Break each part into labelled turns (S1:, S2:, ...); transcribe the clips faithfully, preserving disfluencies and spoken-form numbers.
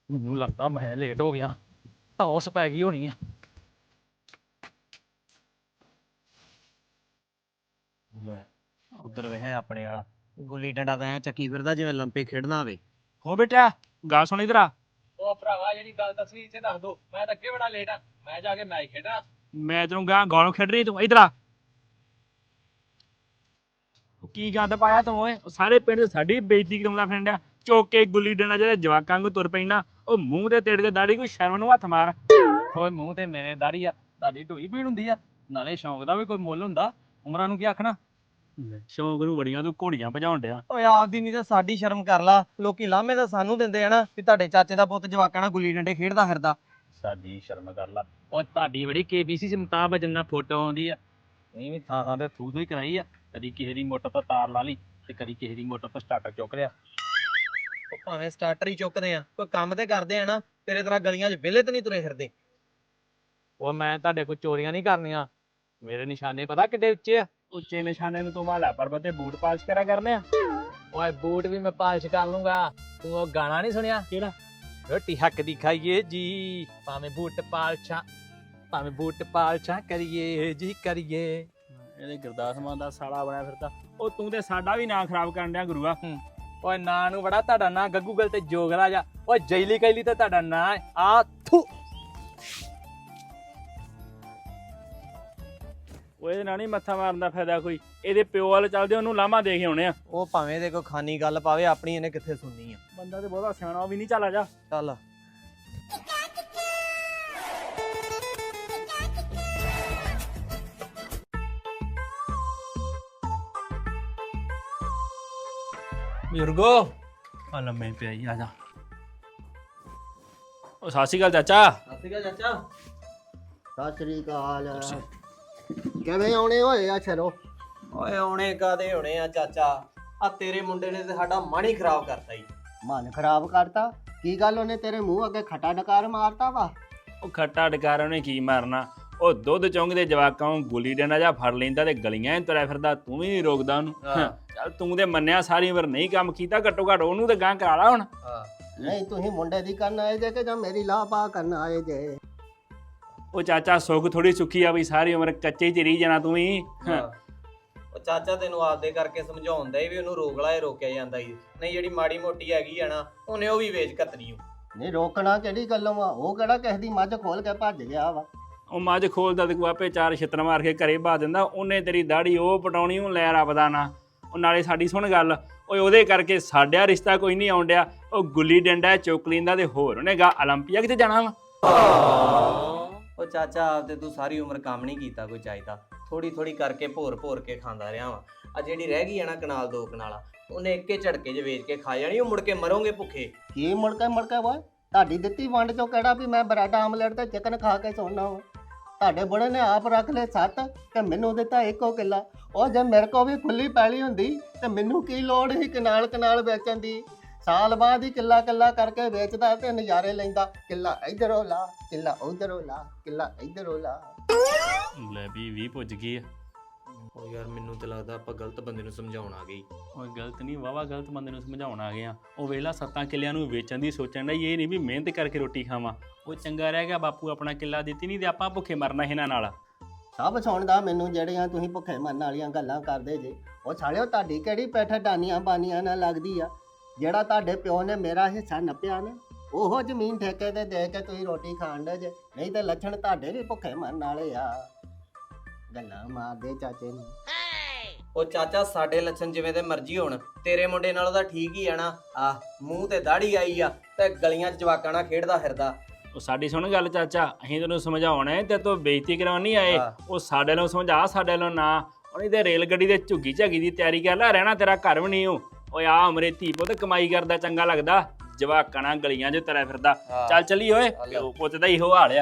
S1: ਮੈਨੂੰ ਲੱਗਦਾ ਮੈਂ ਲੇਟ ਹੋ ਗਿਆ ਟੌਸ ਪੈ ਗਈ ਹੋਣੀ ਆ।
S2: ਉਧਰ ਵੇ ਆਪਣੇ ਵਾਲਾ ਗੁੱਲੀ ਡੰਡਾ ਤਾਂ ਐ ਚੱਕੀ ਫਿਰਦਾ ਜਿਵੇਂ ਲੰਪੇ ਖੇਡਣਾ ਹੋਵੇ।
S1: ਹੋ ਬੇਟਾ ਗੱਲ ਸੁਣ ਇਧਰ ਆ।
S3: ਉਹ ਭਰਾਵਾ ਜਿਹੜੀ ਗੱਲ ਦੱਸਣੀ ਇੱਥੇ ਦੱਸ ਦੋ, ਮੈਂ ਤਾਂ ਅੱਗੇ ਬੜਾ ਲੇਟ ਆ, ਮੈਂ ਜਾ ਕੇ ਮੈਚ ਖੇਡਾਂ।
S1: ਮੈਂ ਤੈਨੂੰ ਗਾਂ ਗਾਲੋਂ ਖੇਡ ਰਹੀ ਤੂੰ ਇਧਰ ਆ। ਉਹ ਕੀ ਗੰਦ ਪਾਇਆ ਤੂੰ ਓਏ, ਉਹ ਸਾਰੇ ਪਿੰਡ 'ਚ ਸਾਡੀ ਬੇਇੱਜ਼ਤੀ ਕਰਾਉਂਦਾ ਫਿਰਦਾ। ਚੁੱਕ ਕੇ ਗੁੱਲੀ ਡੰਡਾ ਜਿਹੜੇ ਜਵਾਕਾਂ ਨੂੰ ਤੁਰ ਪੈਣਾ, ਉਹ ਮੂੰਹ ਤੇ ਤੇਰੇ ਤੇ ਦਾੜੀ ਕੋਈ ਸ਼ਰਮ ਨੂੰ ਹੱਥ ਮਾਰ। ਓਏ ਮੂੰਹ ਤੇ ਮੇਰੇ ਦਾੜੀ ਆ, ਤੁਹਾਡੀ ਢੋਈ ਪੀੜ ਹੁੰਦੀ ਆ। ਨਾਲੇ ਸ਼ੌਂਕ ਦਾ ਵੀ ਕੋਈ ਮੁੱਲ ਹੁੰਦਾ, ਉਮਰਾਂ ਨੂੰ ਕੀ ਆਖਣਾ। ਸ਼ੌਂਕ ਨੂੰ ਬੜੀਆਂ ਤੂੰ ਘੋੜੀਆਂ ਭਜਾਉਣ ਡਿਆ।
S2: ਓਏ ਆਪਦੀ ਨਹੀਂ ਤਾਂ ਸਾਡੀ ਸ਼ਰਮ ਕਰ ਲਾ। ਲੋਕੀ ਲਾਮੇ ਤਾਂ ਸਾਨੂੰ ਦਿੰਦੇ ਆ ਨਾ ਵੀ ਤੁਹਾਡੇ ਚਾਚੇ ਦਾ ਪੁੱਤ ਜਵਾਕਾਂ ਨਾਲ ਗੁੱਲੀ ਡੰਡੇ ਖੇਡਦਾ ਫਿਰਦਾ।
S1: ਸਾਡੀ ਸ਼ਰਮ ਕਰ ਲਾ। ਉਹ ਤੁਹਾਡੀ ਬੜੀ ਕੇਬੀਸੀ ਚ ਮੁਤਾਬਕ ਜਿੰਨਾ ਫੋਟੋ ਆਉਂਦੀ ਆ, ਨਹੀਂ ਵੀ ਥਾਂ ਥਾਂ ਤੇ ਥੂ ਥੂ ਹੀ ਕਰਾਈ ਆ। ਕਦੀ ਕਿਸੇ ਦੀ ਮੋਟਰ ਤੋਂ ਤਾਰ ਲਾ ਲਈ ਤੇ ਕਦੀ ਕਿਸੇ ਦੀ ਮੋਟਰ ਤੋਂ ਸਟਾਰਟਰ ਚੁੱਕ ਲਿਆ।
S2: ਉਹ ਭਾਵੇਂ ਸਟਾਰਟਰ ਹੀ ਚੁੱਕਦੇ ਆ, ਕੋਈ ਕੰਮ ਤੇ ਕਰਦੇ ਆ ਨਾ। ਤੇਰੇ ਤਰ੍ਹਾਂ ਗਲੀਆਂ 'ਚ ਵਿਹਲੇ ਤੇ ਨਹੀਂ ਤੁਰੇ ਫਿਰਦੇ।
S1: ਉਹ ਮੈਂ ਤੁਹਾਡੇ ਕੋਲ ਚੋਰੀਆਂ ਨਹੀਂ ਕਰਨੀਆਂ। ਮੇਰੇ ਨਿਸ਼ਾਨੇ ਪਤਾ ਕਿੱਡੇ ਉੱਚੇ ਆ। ਉੱਚੇ ਨਿਸ਼ਾਨੇ ਨੂੰ ਤੂੰ ਮਾਲਾ ਪਰਬਤ ਤੇ ਬੂਟ ਪਾਲਿਸ਼ ਕਰਿਆ ਕਰਨੇ ਆ।
S3: ਓਏ ਬੂਟ ਵੀ ਮੈਂ ਪਾਲਿਸ਼ ਕਰ ਲੂੰਗਾ। ਤੂੰ ਉਹ ਗਾਣਾ ਨਹੀਂ ਸੁਣਿਆ?
S1: ਕਿਹੜਾ?
S3: ਰੋਟੀ ਹੱਕ ਦੀ ਖਾਈਏ ਜੀ, ਭਾਵੇਂ ਬੂਟ ਪਾਲਛਾਂ ਭਾਵੇਂ ਬੂਟ ਪਾਲਛਾਂ ਕਰੀਏ ਜੀ ਕਰੀਏ।
S1: ਇਹਦੇ ਗੁਰਦਾਸ ਮਾਨ ਦਾ ਸਾਲਾ ਬਣਿਆ ਫਿਰਦਾ। ਉਹ ਤੂੰ ਤੇ ਸਾਡਾ ਵੀ ਨਾਂ ਖਰਾਬ ਕਰਨ ਡਿਆ ਗੁਰੂਆ।
S3: ਓਏ ਨਾਂ ਨੂੰ ਬੜਾ ਤੁਹਾਡਾ ਨਾਂ ਗੱਗੂਗਲ ਤੇ ਜੋਗਰਾ ਜਾ। ਓਏ ਜੈਲੀ ਕੈਲੀ ਤੇ ਤੁਹਾਡਾ ਨਾਂ ਆ ਥੂ।
S1: ਉਹ ਇਹਦੇ ਨਾਲ ਨਹੀਂ ਮੱਥਾ ਮਾਰਨ ਦਾ ਫਾਇਦਾ ਕੋਈ। ਇਹਦੇ ਪਿਓ ਵਾਲੇ ਚੱਲਦੇ ਉਹਨੂੰ ਲਾਮਾ ਦੇ ਕੇ ਆਉਣੇ ਆ।
S2: ਉਹ ਭਾਵੇਂ ਦੇ ਕੋਈ ਖਾਨੀ ਗੱਲ ਪਾਵੇ, ਆਪਣੀ ਇਹਨੇ ਕਿੱਥੇ ਸੁਣਨੀ ਆ।
S1: ਬੰਦਾ ਤੇ ਬਹੁਤਾ ਸਿਆਣਾ ਉਹ ਵੀ ਨਹੀਂ। ਚੱਲ ਆ ਜਾ।
S2: ਚੱਲ
S1: ਬਜ਼ੁਰਗੋ ਆ ਲੰਮੇ ਪਿਆ ਹੀ। ਆ ਜਾ। ਉਹ ਸਤਿ ਸ਼੍ਰੀ ਅਕਾਲ ਚਾਚਾ।
S2: ਸਤਿ ਸ਼੍ਰੀ ਅਕਾਲ ਚਾਚਾ।
S4: ਸਤਿ ਸ੍ਰੀ ਅਕਾਲ। ਕਿਵੇਂ ਆਉਣੇ ਹੋਏ ਆ ਸ਼ਰੋ?
S2: ਓਏ ਆਉਣੇ ਕਾਦੇ ਹੋਣੇ ਆ ਚਾਚਾ, ਆ ਤੇਰੇ ਮੁੰਡੇ ਨੇ ਤੇ ਸਾਡਾ ਮਨ ਹੀ ਖਰਾਬ ਕਰਤਾ ਈ।
S4: ਮਨ ਖਰਾਬ ਕਰਤਾ? ਕੀ ਗੱਲ ਉਹਨੇ ਤੇਰੇ ਮੂੰਹ ਅੱਗੇ ਖੱਟਾ ਡਕਾਰ ਮਾਰਤਾ ਵਾ?
S1: ਉਹ ਖੱਟਾ ਡਕਾਰ ਉਹਨੇ ਕੀ ਮਾਰਨਾ। ਉਹ ਦੁੱਧ ਚੁੰਗਦੇ ਜਵਾਕਾਂ ਨੂੰ ਗੁੱਲੀ ਡੰਡਾ ਜਾਂ ਫੜ ਲੈਂਦਾ ਤੇ ਗਲੀਆਂ 'ਚ ਤੁਰਿਆ ਫਿਰਦਾ। ਤੂੰ ਵੀ ਨਹੀਂ ਰੋਕਦਾ ਉਹਨੂੰ। ਚੱਲ ਤੂੰ ਤੇ ਮੰਨਿਆ ਸਾਰੀ ਉਮਰ ਨਹੀਂ ਕੰਮ ਕੀਤਾ, ਘੱਟੋ ਘੱਟ ਉਹਨੂੰ ਤੇ ਗਾਂ ਕਰਾ ਲਾ ਹੁਣ।
S4: ਨਹੀਂ ਤੁਸੀਂ ਮੁੰਡੇ ਦੀ ਕਰਨ ਆਏ ਜੇ ਕਿ ਜਾਂ ਮੇਰੀ ਲਾਹ ਪਾ ਕਰਨ ਆਏ ਜੇ?
S1: ਉਹ ਚਾਚਾ ਸੁੱਖ ਥੋੜੀ ਸੁੱਖੀ ਆ ਵੀ ਸਾਰੀ ਉਮਰ ਕੱਚੇ 'ਚ ਰਹੀ ਜਾਣਾ ਤੂੰ ਵੀ।
S2: ਉਹ ਚਾਚਾ ਤੈਨੂੰ ਆਪਦੇ ਕਰਕੇ ਸਮਝਾਉਂਦਾ ਹੀ ਵੀ ਉਹਨੂੰ ਰੋਕ ਲਾ, ਇਹ ਰੋਕਿਆ ਜਾਂਦਾ ਈ ਨਹੀਂ। ਜਿਹੜੀ ਮਾੜੀ ਮੋਟੀ ਹੈਗੀ ਆ ਨਾ, ਉਹਨੇ ਉਹ ਵੀ ਵੇਚ ਕਤਰੀ।
S4: ਨਹੀਂ ਰੋਕਣਾ ਕਿਹੜੀ ਗੱਲੋਂ ਵਾ? ਉਹ ਕਿਹੜਾ ਕਿਸੇ ਦੀ ਮੱਝ ਖੋਲ ਕੇ ਭੱਜ ਗਿਆ ਵਾ?
S1: ਉਹ ਮੱਝ ਖੋਲਦਾ ਤੇ ਕੋਈ ਆਪੇ ਚਾਰ ਛਿੱਤਰ ਮਾਰ ਕੇ ਘਰੇ ਬਾ ਦਿੰਦਾ। ਉਹਨੇ ਤੇਰੀ ਦਾੜੀ ਉਹ ਪਟਾਉਣੀ, ਉਹ ਲੈ ਰੱਬ ਦਾ ਨਾ। ਉਹ ਨਾਲੇ ਸਾਡੀ ਸੁਣ ਗੱਲ, ਓਏ ਉਹਦੇ ਕਰਕੇ ਸਾਡਿਆ ਰਿਸ਼ਤਾ ਕੋਈ ਨਹੀਂ ਆਉਣ ਡਿਆ। ਉਹ ਗੁੱਲੀ ਡੰਡਾ ਚੁੱਕ ਲੈਂਦਾ ਤੇ ਹੋਰ ਉਹਨੇ ਗਾ ਓਲੰਪੀਆ ਕਿਤੇ ਜਾਣਾ ਵਾ।
S2: ਉਹ ਚਾਚਾ ਆਪਦੇ ਤੂੰ ਸਾਰੀ ਉਮਰ ਕੰਮ ਨਹੀਂ ਕੀਤਾ ਕੋਈ ਚਾਹੀਦਾ। ਥੋੜੀ ਥੋੜੀ ਕਰਕੇ ਭੋਰ ਭੋਰ ਕੇ ਖਾਂਦਾ ਰਿਹਾ ਵਾ। ਆ ਜਿਹੜੀ ਰਹਿ ਗਈ ਆ ਨਾ ਕਨਾਲ ਦੋ ਕਨਾਲਾ, ਉਹਨੇ ਇੱਕੇ ਝਟਕੇ 'ਚ ਵੇਚ ਕੇ ਖਾ ਜਾਣੀ। ਉਹ ਮੁੜ ਕੇ ਮਰੋਗੇ ਭੁੱਖੇ।
S4: ਕੀ ਮੁੜਕੇ ਮੁੜਕੇ ਵਾ? ਤੁਹਾਡੀ ਦਿੱਤੀ ਵੰਡ ਚੋਂ ਕਿਹੜਾ ਵੀ ਮੈਂ ਬਰੈਡ ਆਮਲੇਟ ਤੇ ਚਿਕਨ ਖਾ ਕੇ ਸੌਣਾ ਵਾ? ਤੁਹਾਡੇ ਬੁੜੇ ਨੇ ਆਪ ਰੱਖ ਲਏ ਸੱਤ ਤੇ ਮੈਨੂੰ ਦਿੱਤਾ ਇੱਕੋ ਕਿੱਲਾ। ਉਹ ਜੇ ਮੇਰੇ ਕੋਲ ਵੀ ਖੁੱਲੀ ਪੈਲੀ ਹੁੰਦੀ ਤੇ ਮੈਨੂੰ ਕੀ ਲੋੜ ਸੀ ਕਨਾਲ ਕਨਾਲ ਵੇਚਣ ਦੀ? ਸਾਲ ਬਾਅਦ ਹੀ ਕਿੱਲਾ ਕਿੱਲਾ ਕਰਕੇ ਵੇਚਦਾ ਤੇ ਨਜ਼ਾਰੇ ਲੈਂਦਾ। ਕਿੱਲਾ ਇਧਰੋਂ ਲਾ, ਕਿੱਲਾ ਉਧਰੋਂ ਲਾ, ਕਿੱਲਾ ਇਧਰੋਂ ਲਾ।
S1: ਲੈ ਵੀ ਵੀ ਪੁੱਜ ਗਈ ਆ।
S2: ਉਹ ਯਾਰ ਮੈਨੂੰ ਤਾਂ ਲੱਗਦਾ ਆਪਾਂ ਗਲਤ ਬੰਦੇ ਨੂੰ ਸਮਝਾਉਣ ਆ ਗਈ।
S1: ਓਏ ਗਲਤ ਨਹੀਂ, ਵਾਵਾ ਗਲਤ ਬੰਦੇ ਨੂੰ ਸਮਝਾਉਣ ਆ ਗਏ ਆ। ਉਹ ਵੇਲਾ ਸੱਤਾਂ ਕਿੱਲਿਆਂ ਨੂੰ ਵੇਚਣ ਦੀ ਸੋਚਣ ਦਾ ਇਹ ਨਹੀਂ ਵੀ ਮਿਹਨਤ ਕਰਕੇ ਰੋਟੀ ਖਾਵਾਂ। ਉਹ ਚੰਗਾ ਰਹਿ ਗਿਆ ਬਾਪੂ ਆਪਣਾ ਕਿੱਲਾ ਦਿੱਤੀ ਨਹੀਂ ਤੇ ਆਪਾਂ ਭੁੱਖੇ ਮਰਨਾ ਇਹਨਾਂ ਨਾਲ।
S4: ਸਭ ਸੁਣਦਾ ਮੈਨੂੰ ਜਿਹੜੀਆਂ ਤੁਸੀਂ ਭੁੱਖੇ ਮਰਨ ਵਾਲੀਆਂ ਗੱਲਾਂ ਕਰਦੇ ਜੇ। ਉਹ ਸਾਲਿਓ ਤੁਹਾਡੀ ਕਿਹੜੀ ਪੈਠ ਡਾਨੀਆਂ ਬਾਨੀਆਂ ਨਾਲ ਲੱਗਦੀ ਆ? ਜਿਹੜਾ ਤੁਹਾਡੇ ਪਿਓ ਨੇ ਮੇਰਾ ਹਿੱਸਾ ਨੱਪਿਆ ਨਾ, ਉਹ ਜ਼ਮੀਨ ਠੇਕੇ ਤੇ ਦੇ ਕੇ ਤੁਸੀਂ ਰੋਟੀ ਖਾਣ ਦੇ ਜੇ। ਨਹੀਂ ਤੇ ਲੱਛਣ ਤੁਹਾਡੇ ਵੀ ਭੁੱਖੇ ਮਰਨ ਵਾਲੇ ਆ। ਗੱਲਾਂ ਮਾਰਦੇ ਚਾਚੇ ਨੂੰ।
S2: ਉਹ ਚਾਚਾ ਸਾਡੇ ਲੱਛਣ ਜਿਵੇਂ ਦੇ ਮਰਜ਼ੀ ਹੋਣ, ਤੇਰੇ ਮੁੰਡੇ ਨਾਲੋਂ ਤਾਂ ਠੀਕ ਹੀ ਆ ਨਾ। ਆ ਮੂੰਹ ਤੇ ਦਾੜੀ ਆਈ ਆ ਤੇ ਗਲੀਆਂ 'ਚ ਜਵਾਕਾਂ ਨਾਲ ਖੇਡਦਾ ਫਿਰਦਾ।
S1: ਉਹ ਸਾਡੀ ਸੁਣ ਗੱਲ ਚਾਚਾ, ਅਸੀਂ ਤੈਨੂੰ ਸਮਝਾਉਣਾ ਤੇ ਤੂੰ ਬੇਇੱਜ਼ਤੀ ਕਰਾਉਣ ਨਹੀਂ ਆਏ। ਉਹ ਸਾਡੇ ਨੂੰ ਸਮਝਾ, ਸਾਡੇ ਨੂੰ ਨਾ। ਉਹਨੀ ਤੇ ਰੇਲ ਗੱਡੀ ਦੇ ਝੁੱਗੀ ਝਾਗੀ ਦੀ ਤਿਆਰੀ ਕਰ ਲੈ। ਰਹਿਣਾ ਤੇਰਾ ਘਰ ਵੀ ਨਹੀਂ। ਉਹ ਓਏ ਆ ਉਮਰੇ ਧੀ ਪੁੱਤ ਕਮਾਈ ਕਰਦਾ ਚੰਗਾ ਲੱਗਦਾ, ਜਵਾਕਾਂ ਨਾਲ ਗਲੀਆਂ 'ਚ ਤੁਰਿਆ ਫਿਰਦਾ। ਚੱਲ ਚੱਲੀ ਓਏ, ਪਿਓ ਪੁੱਤ ਦਾ ਇਹੋ ਹਾਲ ਆ।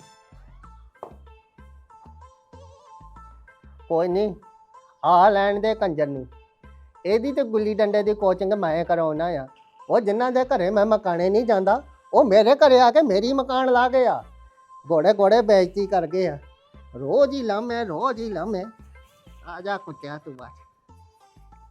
S4: ਕੋਈ ਨਹੀਂ, ਆ ਲੈਣ ਦੇ ਕੰਜਰ ਨੂੰ। ਇਹਦੀ ਤੇ ਗੁੱਲੀ ਡੰਡੇ ਦੀ ਕੋਚਿੰਗ ਮੈਂ ਕਰਾਉਣਾ ਆ। ਉਹ ਜਿਨ੍ਹਾਂ ਦੇ ਘਰੇ ਮੈਂ ਮਕਾਨੇ ਨਹੀਂ ਜਾਂਦਾ, ਉਹ ਮੇਰੇ ਘਰੇ ਆ ਕੇ ਮੇਰੀ ਮਕਾਨ ਲਾ ਗਏ ਆ। ਘੋੜੇ ਘੋੜੇ ਬੇਇੱਜ਼ਤੀ ਕਰ ਗਏ ਆ। ਰੋਜ਼ ਹੀ ਲਾਮੇ, ਰੋਜ਼ ਹੀ ਲਾਮੇ। ਆ ਜਾ ਕੁੱਤਿਆ ਤੂੰ ਬਾਜ।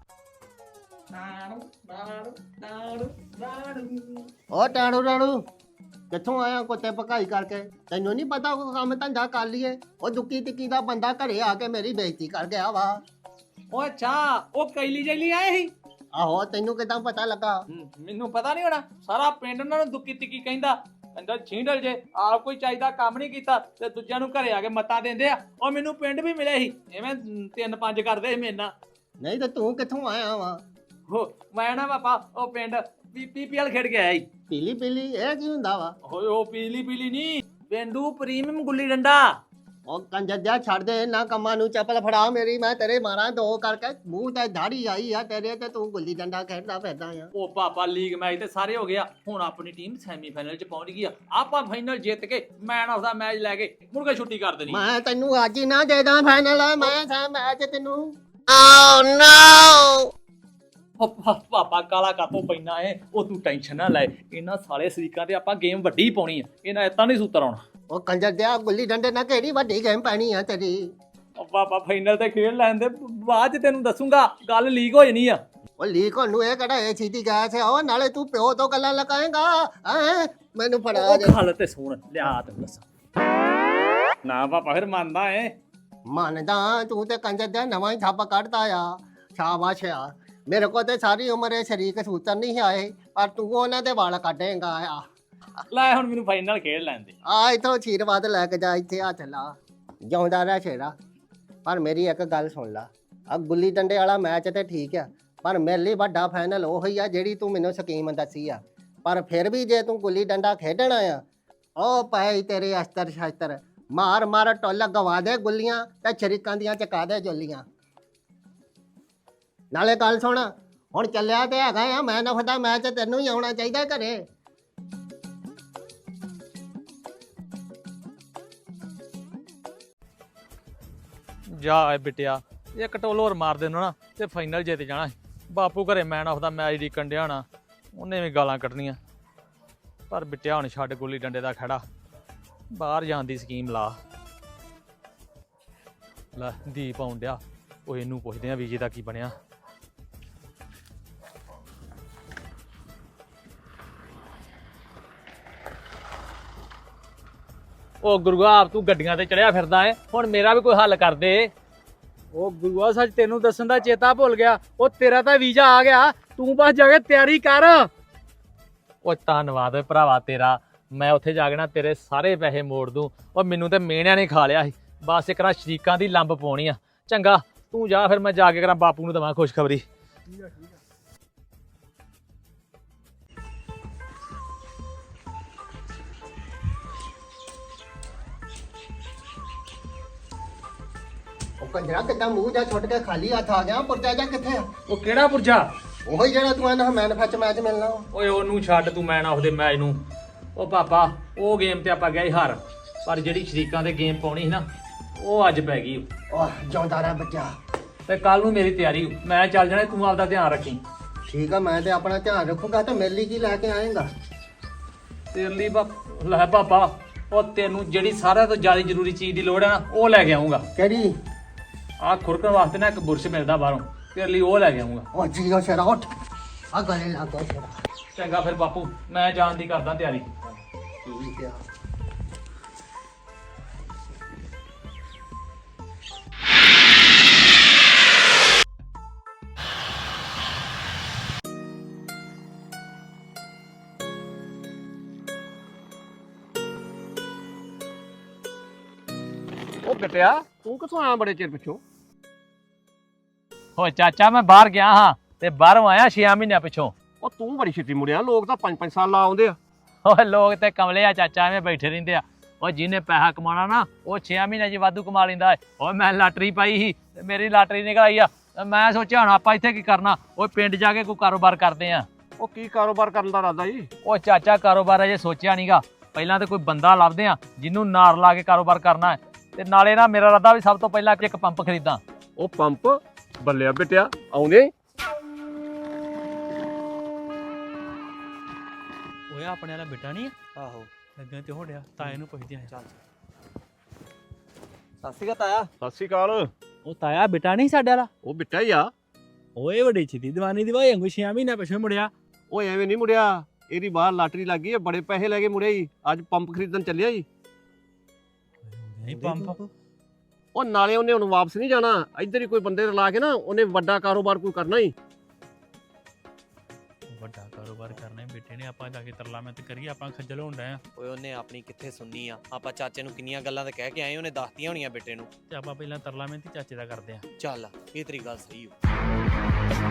S4: ਓ ਟਾਣੂ ਰਾਣੂ, ਕਿੱਥੋਂ ਆਇਆ ਕੁੱਤੇ ਭਕਾਈ ਕਰਕੇ? ਤੈਨੂੰ ਨਹੀਂ ਪਤਾ ਉਹ ਕੰਮ ਧੰਦਾ ਕਰ ਲਈਏ? ਉਹ ਦੁੱਕੀ ਟਿੱਕੀ ਦਾ ਬੰਦਾ ਘਰੇ ਆ ਕੇ ਮੇਰੀ ਬੇਇੱਜ਼ਤੀ ਕਰ ਗਿਆ ਵਾ।
S3: ਓ ਅੱਛਾ ਉਹ ਕੈਲੀ ਜੈਲੀ ਆਏ ਸੀ।
S4: ਆਹੋ ਤੈਨੂੰ ਕਿਦਾਂ ਪਤਾ ਲੱਗਾ?
S3: ਹਮ, ਮੈਨੂੰ ਪਤਾ ਨਹੀਂ ਹੋਣਾ, ਸਾਰਾ ਪਿੰਡ ਉਹਨਾਂ ਨੂੰ ਦੁੱਕੀ ਤਿੱਕੀ ਕਹਿੰਦਾ। ਕਹਿੰਦਾ ਛੀਂਡਲ ਜੇ ਆਪ ਕੋਈ ਚਾਹੀਦਾ ਕੰਮ ਨਹੀਂ ਕੀਤਾ ਤੇ ਦੂਜਿਆਂ ਨੂੰ ਘਰੇ ਆ ਕੇ ਮੱਤਾਂ ਦਿੰਦੇ ਆ। ਉਹ ਮੈਨੂੰ ਪਿੰਡ ਵੀ ਮਿਲੇ ਸੀ, ਐਵੇਂ ਤਿੰਨ ਪੰਜ ਕਰਦੇ ਸੀ ਮੇਰੇ ਨਾਲ।
S4: ਨਹੀਂ ਤੇ ਤੂੰ ਕਿੱਥੋਂ ਆਇਆ ਵਾ?
S3: ਹੋ ਮੈਂ ਨਾ ਪਾਪਾ ਉਹ ਪਿੰਡ ਪੀਪੀਐਲ ਖੇਡ ਕੇ ਆਇਆ ਸੀ।
S4: ਪੀਲੀ ਪੀਲੀ ਇਹ ਕੀ ਹੁੰਦਾ ਵਾ?
S3: ਓਏ ਉਹ ਪੀਲੀ ਪੀਲੀ ਨਹੀਂ, ਪੇਂਡੂ ਪ੍ਰੀਮੀਅਮ ਗੁੱਲੀ ਡੰਡਾ।
S4: ਉਹ ਕੰਜਰ ਜਿਹਾ ਛੱਡ ਦੇ ਇਹਨਾਂ ਕੰਮਾਂ ਨੂੰ, ਚੱਪਲ ਫੜਾ ਮੇਰੀ, ਮੈਂ ਤੇਰੇ ਮਾਰਾਂ ਦੋ ਕਰਕੇ। ਮੂੰਹ ਤੇ ਦਾੜੀ ਆਈ ਆ ਤੇਰੇ ਤੇ, ਤੂੰ ਗੁੱਲੀ ਡੰਡਾ ਖੇਡਦਾ ਫਿਰਦਾ ਆ।
S3: ਉਹ ਪਾਪਾ ਲੀਗ ਮੈਚ ਤੇ ਸਾਰੇ ਹੋ ਗਿਆ, ਹੁਣ ਆਪਣੀ ਟੀਮ ਸੈਮੀਫਾਈਨਲ ਚ ਪਹੁੰਚ ਗਈ ਆ। ਆਪਾਂ ਫਾਈਨਲ ਜਿੱਤ ਕੇ ਮੈਨ ਆਫ ਦਾ ਮੈਚ ਲੈ ਕੇ ਮੁੜ ਕੇ ਛੁੱਟੀ ਕਰ ਦੇਣੀ।
S4: ਮੈਂ ਤੈਨੂੰ ਅੱਜ ਹੀ ਨਾ ਦੇ ਦਾਂ ਫਾਈਨਲ, ਮੈਂ ਸਾ ਮੈਚ ਤੈਨੂੰ। ਓ ਨੋ
S3: ਉਹ ਪਾ- ਪਾਪਾ ਕਾਲਾ ਕਾਤੋਂ ਪੈਣਾ ਏ, ਉਹ ਤੂੰ ਟੈਨਸ਼ਨ ਨਾ ਲੈ। ਇਹਨਾਂ ਸਾਲੇ ਸਰੀਕਾਂ ਤੇ ਆਪਾਂ ਗੇਮ ਵੱਡੀ ਪਾਉਣੀ ਆ, ਇਹਨਾਂ ਇਤਾਂ ਨਹੀਂ ਸੂਤਰ ਆਉਣਾ।
S4: ਉਹ ਕੰਜਰ ਜਿਹਾ ਗੁੱਲੀ ਡੰਡੇ ਨਾਲ ਕਿਹੜੀ ਵੱਡੀ ਗੇਮ ਪੈਣੀ ਆ ਤੇਰੀ?
S3: ਉਹ ਪਾਪਾ ਫਾਈਨਲ ਤੇ ਖੇਡ ਲੈਣ ਦੇ, ਬਾਅਦ ਚ ਤੈਨੂੰ ਦੱਸੂਗਾ, ਗੱਲ ਲੀਕ ਹੋ ਜਾਣੀ ਆ।
S4: ਉਹ ਲੀਕ ਹੋਣ ਨੂੰ ਇਹ ਕਿਹੜਾ ਇਹ ਚੀਜ਼ ਗਿਆ ਸੀ? ਉਹ ਨਾਲੇ ਤੂੰ ਪਿਓ ਤੋਂ ਗੱਲਾਂ ਲਗਾਏਗਾ ਹੈ? ਮੈਨੂੰ ਫੜਾ
S3: ਉਹ
S4: ਦੇ।
S3: ਗੱਲ ਤੇ ਸੁਣ ਲਿਆ ਤੈਨੂੰ ਦੱਸਾਂ ਨਾ ਪਾਪਾ, ਫਿਰ ਮੰਨਦਾ ਏ।
S4: ਮੰਨਦਾ, ਤੂੰ ਤੇ ਕੰਜਰ ਦਾ ਨਵਾਂ ਹੀ ਥੱਪ ਕੱਢਦਾ ਆ। ਸ਼ਾਬਾਸ਼ ਆ। ਮੇਰੇ ਕੋਲ ਤੇ ਸਾਰੀ ਉਮਰ ਇਹ ਸ਼ਰੀਕ ਸੂਤਰ ਨਹੀਂ ਆਏ, ਪਰ ਤੂੰ ਉਹਨਾਂ ਦੇ ਵਾਲ ਕੱਢੇਗਾ ਆ।
S3: ਲੈ ਹੁਣ ਮੈਨੂੰ ਫਾਈਨਲ ਖੇਡ ਲੈਣ ਦੇ।
S4: ਆ ਇਥੋਂ ਆਸ਼ੀਰਵਾਦ ਲੈ ਕੇ ਜਾ, ਇੱਥੇ ਹੱਥ ਲਾ, ਜਿਉਂਦਾ ਰਹਿ ਛੇੜਾ। ਪਰ ਮੇਰੀ ਇੱਕ ਗੱਲ ਸੁਣ ਲਾ, ਆ ਗੁੱਲੀ ਡੰਡੇ ਵਾਲਾ ਮੈਚ ਤੇ ਠੀਕ ਆ, ਪਰ ਮੇਰੇ ਲਈ ਵੱਡਾ ਫਾਈਨਲ ਉਹੀ ਆ ਜਿਹੜੀ ਤੂੰ ਮੈਨੂੰ ਸਕੀਮ ਦੱਸੀ ਆ। ਪਰ ਫਿਰ ਵੀ ਜੇ ਤੂੰ ਗੁੱਲੀ ਡੰਡਾ ਖੇਡਣਾ ਆ, ਉਹ ਪਏ ਤੇਰੇ ਅਸਤਰ ਸ਼ਸਤਰ, ਮਾਰ ਮਾਰ ਟੋਲਾ ਗਵਾ ਦੇ ਗੁੱਲੀਆਂ ਤੇ ਸ਼ਰੀਕਾਂ ਦੀਆਂ ਚਕਾ ਦੇ ਜੋਲੀਆਂ। ਨਾਲੇ ਗੱਲ ਸੁਣ, ਹੁਣ ਚੱਲਿਆ ਤੇ ਹੈਗਾ ਆ ਮੈਂ ਨਫ ਦਾ ਮੈਚ, ਤੈਨੂੰ ਹੀ ਆਉਣਾ ਚਾਹੀਦਾ ਘਰੇ।
S3: ਜਾ ਏ ਬਿਟਿਆ, ਇੱਕ ਟੋਲ ਹੋਰ ਮਾਰ ਦੇਣਾ ਨਾ ਤੇ ਫਾਈਨਲ ਜਿੱਤ ਜਾਣਾ। ਬਾਪੂ ਘਰੇ ਮੈਨ ਆਫ ਦਾ ਮੈਚ ਦੀ ਕੰਡਿਆ ਹੋਣਾ, ਉਹਨੇ ਵੀ ਗਾਲਾਂ ਕੱਢਣੀਆਂ। ਪਰ ਬਿਟਿਆ ਹੁਣ ਛੱਡ ਗੁੱਲੀ ਡੰਡੇ ਦਾ ਖੜਾ, ਬਾਹਰ ਜਾਣ ਦੀ ਸਕੀਮ ਲਾ। ਲੈ ਦੀਪ ਆਉਣ ਡਿਆ, ਉਹ ਇਹਨੂੰ ਪੁੱਛਦੇ ਆ ਵੀਜੇ ਦਾ ਕੀ ਬਣਿਆ। ਉਹ ਗੁਰੂਆ, ਤੂੰ ਗੱਡੀਆਂ ਤੇ ਚੜਿਆ ਫਿਰਦਾ ਏ, ਹੁਣ ਮੇਰਾ ਵੀ ਕੋਈ ਹੱਲ ਕਰ ਦੇ।
S1: ਉਹ ਗੁਰੂਆ ਸੱਚ ਤੈਨੂੰ ਦੱਸਣ ਦਾ ਚੇਤਾ ਭੁੱਲ ਗਿਆ, ਉਹ ਤੇਰਾ ਤਾਂ ਵੀਜ਼ਾ ਆ ਗਿਆ, ਤੂੰ ਬਸ ਜਾ ਕੇ ਤਿਆਰੀ ਕਰ।
S3: ਉਹ ਧੰਨਵਾਦ ਓਏ ਭਰਾਵਾ ਤੇਰਾ, ਮੈਂ ਉੱਥੇ ਜਾ ਕੇ ਨਾ ਤੇਰੇ ਸਾਰੇ ਪੈਸੇ ਮੋੜ ਦੂੰ। ਉਹ ਮੈਨੂੰ ਤੇ ਮੇਣਿਆਂ ਨੇ ਖਾ ਲਿਆ ਸੀ, ਬਸ ਇੱਕ ਨਾ ਸ਼ਰੀਕਾਂ ਦੀ ਲੰਬ ਪਾਉਣੀ ਆ। ਚੰਗਾ ਤੂੰ ਜਾ, ਫਿਰ ਮੈਂ ਜਾ ਕੇ ਕਰਾਂ ਬਾਪੂ ਨੂੰ ਦਵਾਂ ਖੁਸ਼ਖਬਰੀ।
S4: ਉਹ ਕੰਜਰਾ ਕਿੱਦਾਂ ਮੂੰਹ ਜਾ ਛੁੱਟ ਕੇ ਖਾਲੀ ਹੱਥ ਆ ਗਿਆ? ਪੁਰਜਾ ਜਾ ਕਿੱਥੇ ਆ?
S3: ਉਹ ਕਿਹੜਾ ਪੁਰਜਾ?
S4: ਉਹੀ ਜਿਹੜਾ ਤੂੰ ਇਹਨਾਂ ਮੈਨ ਫੱਚ ਮੈਚ ਮਿਲਣਾ ਵਾ।
S3: ਓਏ ਉਹਨੂੰ ਛੱਡ ਤੂੰ, ਮੈਨ ਆਫ ਦੇ ਮੈਚ ਨੂੰ। ਉਹ ਪਾਪਾ ਉਹ ਗੇਮ ਤੇ ਆਪਾਂ ਗਏ ਹਾਰ, ਪਰ ਜਿਹੜੀ ਸ਼ਰੀਕਾਂ ਦੇ ਗੇਮ ਪਾਉਣੀ ਸੀ ਨਾ, ਉਹ ਅੱਜ ਪੈ ਗਈ।
S4: ਉਹ ਜਿਉਂਦਾ ਰਹਿ ਬੱਚਾ।
S3: ਤੇ ਕੱਲ ਨੂੰ ਮੇਰੀ ਤਿਆਰੀ, ਮੈਂ ਚੱਲ ਜਾਣਾ, ਤੂੰ ਆਪਦਾ ਧਿਆਨ ਰੱਖੀ।
S4: ਠੀਕ ਆ, ਮੈਂ ਤੇ ਆਪਣਾ ਧਿਆਨ ਰੱਖੂਗਾ। ਤੇ ਮੇਰੇ ਲਈ ਕੀ ਲੈ ਕੇ ਆਏਗਾ?
S3: ਤੇਰੇ ਲਈ ਬਾ ਲੈ ਪਾਪਾ, ਉਹ ਤੈਨੂੰ ਜਿਹੜੀ ਸਾਰਿਆਂ ਤੋਂ ਜ਼ਿਆਦਾ ਜ਼ਰੂਰੀ ਚੀਜ਼ ਦੀ ਲੋੜ ਹੈ ਨਾ, ਉਹ ਲੈ ਕੇ ਆਉਂਗਾ।
S4: ਕਿਹੜੀ?
S3: ਆਹ ਖੁਰਕਣ ਵਾਸਤੇ ਨਾ ਇੱਕ ਬੁਰਸ਼ ਮਿਲਦਾ ਬਾਹਰੋਂ, ਤੇਰੇ ਲਈ ਉਹ ਲੈ ਕੇ ਆਉਂਗਾ।
S4: ਉਹ ਜੀਓ ਸ਼ੇਰਾ ਉੱਠ, ਆ ਗਲੇ ਲਾ ਦੋ ਸ਼ੇਰਾ।
S3: ਚੰਗਾ ਫਿਰ ਬਾਪੂ, ਮੈਂ ਜਾਣ ਦੀ ਕਰਦਾ ਤਿਆਰੀ।
S4: ਠੀਕ ਆ।
S1: ਉਹ ਬਿਟਿਆ ਤੂੰ ਕਿੱਥੋਂ ਆਇਆ ਬੜੇ ਚਿਰ ਪਿੱਛੋਂ?
S3: ਓ ਚਾਚਾ, ਮੈਂ ਬਾਹਰ ਗਿਆ ਹਾਂ ਤੇ ਬਾਹਰੋਂ ਆਇਆ ਛੇ ਮਹੀਨਿਆਂ ਪਿੱਛੋਂ।
S1: ਉਹ ਤੂੰ ਬੜੀ ਛੇਤੀ ਮੁੜਿਆ, ਲੋਕ ਤਾਂ ਪੰਜ ਪੰਜ ਸਾਲ ਲਾ ਆਉਂਦੇ ਆ।
S3: ਓਏ ਲੋਕ ਤੇ ਕਮਲੇ ਆ ਚਾਚਾ, ਐਵੇਂ ਬੈਠੇ ਰਹਿੰਦੇ ਆ। ਓ ਜਿਹਨੇ ਪੈਸਾ ਕਮਾਉਣਾ ਨਾ, ਉਹ ਛੇ ਮਹੀਨਿਆਂ 'ਚ ਵਾਧੂ ਕਮਾ ਲੈਂਦਾ ਏ। ਓਏ ਮੈਂ ਲਾਟਰੀ ਪਾਈ ਸੀ ਤੇ ਮੇਰੀ ਲਾਟਰੀ ਨਿਕਲ ਆਈ ਆ। ਤੇ ਮੈਂ ਸੋਚਿਆ ਹੁਣ ਆਪਾਂ ਇੱਥੇ ਕੀ ਕਰਨਾ, ਓਏ ਪਿੰਡ ਜਾ ਕੇ ਕੋਈ ਕਾਰੋਬਾਰ ਕਰਦੇ ਆ।
S1: ਉਹ ਕੀ ਕਾਰੋਬਾਰ ਕਰਨ ਦਾ ਇਰਾਦਾ ਜੀ?
S3: ਓ ਚਾਚਾ ਕਾਰੋਬਾਰ ਅਜੇ ਸੋਚਿਆ ਨਹੀਂਗਾ, ਪਹਿਲਾਂ ਤੇ ਕੋਈ ਬੰਦਾ ਲੱਭਦੇ ਆ ਜਿਹਨੂੰ ਨਾਰ ਲਾ ਕੇ ਕਾਰੋਬਾਰ ਕਰਨਾ ਹੈ। ਤੇ ਨਾਲੇ ਨਾ ਮੇਰਾ ਇਰਾਦਾ ਵੀ ਸਭ ਤੋਂ ਪਹਿਲਾਂ ਇੱਕ ਪੰਪ ਖਰੀਦਾਂ।
S1: ਉਹ ਪੰਪ ਬੱਲਿਆ ਬਿਟਿਆ ਆਉਂਦੇ।
S3: ਓਏ ਆਪਣੇ ਵਾਲਾ ਬੇਟਾ ਨਹੀਂ ਆ?
S2: ਆਹੋ
S3: ਲੱਗਣ ਤੇ ਹੋ ਰਿਹਾ, ਤਾਏ ਨੂੰ ਪੁੱਛਦੇ ਆ। ਚੱਲ
S2: ਸਤਿ ਸ਼੍ਰੀ ਅਕਾਲ ਤਾਇਆ।
S1: ਸਤਿ ਸ਼੍ਰੀ ਅਕਾਲ।
S3: ਉਹ ਤਾਇਆ ਬੇਟਾ ਨਹੀਂ ਸਾਡੇ ਵਾਲਾ?
S1: ਉਹ ਬਿੱਟਾ ਹੀ ਆ।
S3: ਓਏ ਵੱਡੀ ਛੇਤੀ ਦੀਵਾਨੀ ਦੀ ਵਾਏ ਅੰਗੂ ਛੇ ਮਹੀਨੇ ਪਿਛੇ ਮੁੜਿਆ।
S1: ਉਹ ਐਵੇਂ ਨਹੀਂ ਮੁੜਿਆ,
S5: ਇਹਦੀ ਬਾਹਰ ਲਾਟਰੀ ਲੱਗ ਗਈ ਹੈ, ਬੜੇ ਪੈਸੇ ਲੈ ਕੇ ਮੁੜਿਆ ਜੀ। ਅੱਜ ਪੰਪ ਖਰੀਦਣ ਚੱਲਿਆ ਜੀ।
S1: ਨਹੀਂ ਪੰਪ
S5: ਉਹ ਨਾਲੇ ਉਹਨੇ ਹੁਣ ਵਾਪਸ ਨਹੀਂ ਜਾਣਾ, ਇੱਧਰ ਹੀ ਕੋਈ ਬੰਦੇ ਲਾ ਕੇ ਨਾ ਉਹਨੇ ਵੱਡਾ ਕਾਰੋਬਾਰ ਕੋਈ ਕਰਨਾ ਹੀ।
S1: ਵੱਡਾ ਕਾਰੋਬਾਰ ਕਰਨਾ ਹੈ ਬੇਟੇ ਨੇ, ਆਪਾਂ ਜਾ ਕੇ ਤਰਲਾ ਮੈਂ ਤੇ ਕਰੀਏ, ਆਪਾਂ ਖੱਜਲ ਹੋਣ ਡਏ ਆ।
S2: ਓਏ ਉਹਨੇ ਆਪਣੀ ਕਿੱਥੇ ਸੁਣਨੀ ਆ, ਆਪਾਂ ਚਾਚੇ ਨੂੰ ਕਿੰਨੀਆਂ ਗੱਲਾਂ ਤੇ ਕਹਿ ਕੇ ਆਏ, ਉਹਨੇ ਦੱਸਤੀਆਂ ਹੋਣੀਆਂ ਬੇਟੇ ਨੂੰ।
S1: ਤੇ ਆਪਾਂ ਪਹਿਲਾਂ ਤਰਲਾ ਮੈਂ ਤੇ ਚਾਚੇ ਦਾ ਕਰਦੇ ਆ।
S2: ਚੱਲ ਇਹ ਤੇਰੀ ਗੱਲ ਸਹੀ ਹੋ।